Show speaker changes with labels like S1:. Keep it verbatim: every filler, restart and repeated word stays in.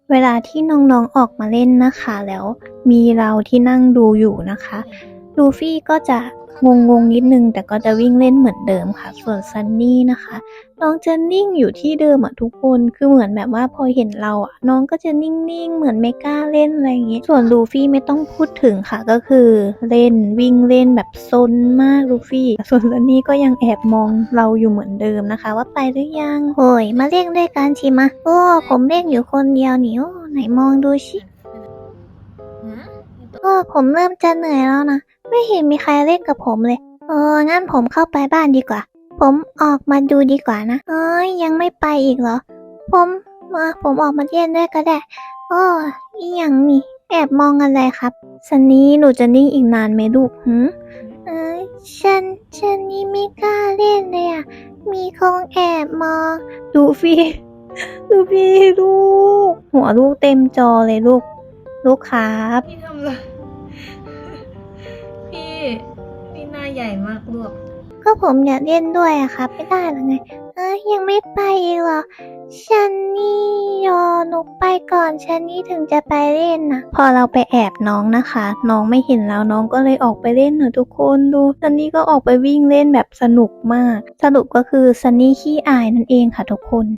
S1: เวลาที่น้องๆออกมาเล่นนะคะแล้วมีเราที่นั่งดูอยู่นะคะลูฟี่ก็จะงงๆนิดนึงแต่ก็จะวิ่งเล่นเหมือนเดิมค่ะส่วนซันนี่นะคะน้องจะนิ่งอยู่ที่เดิมอ่ะทุกคนคือเหมือนแบบว่าพอเห็นเราอ่ะน้องก็จะนิ่งๆเหมือนไม่กล้าเล่นอะไรอย่างงี้ส่วนลูฟี่ไม่ต้องพูดถึงค่ะก็คือเล่นวิ่งเล่นแบบซนมากลูฟี่ส่วนซันนี่ก็ยังแอบมองเราอยู่เหมือนเดิมนะคะว่าไปหรือยังโอ้ยมาเล่นด้วยกันชิมะโอ้ผมเล่นอยู่คนเดียวนี่โอ้ไหนมองดูชิโอ้ผมเริ่มจะเหนื่อยแล้วนะไม่เห็นมีใครเล่นกับผมเลยเอองั้นผมเข้าไปบ้านดีกว่าผมออกมาดูดีกว่านะเอ้ยยังไม่ไปอีกเหรอผมมาผมออกมาเล่นด้วยก็ได้โอ้อีหยังนี่แอบมองอะไรครับซันนี่หนูจะนิ่งอีกนานไหมลูกหืมเอ้ยฉันฉันนี่ไม่กล้าเล่นเลยอ่ะมีคงแอบมองดูฟี่ดูฟี่ลูกหัวลูกเต็มจอเลยลูกลูกครับ
S2: พี่ทำอะไรพี่พี่หน้าใหญ่มากลูก
S1: ก็ผมอยากเล่นด้วยอะครับไม่ได้หรอไงเอ้ยยังไม่ไปอีกเหรอฉันนี่ยอหนูไปก่อนฉันนี่ถึงจะไปเล่นนะพอเราไปแอบน้องนะคะน้องไม่เห็นแล้วน้องก็เลยออกไปเล่นเนอะทุกคนดูซันนี่ก็ออกไปวิ่งเล่นแบบสนุกมากสรุปก็คือซันนี่ขี้อายนั่นเองค่ะทุกคน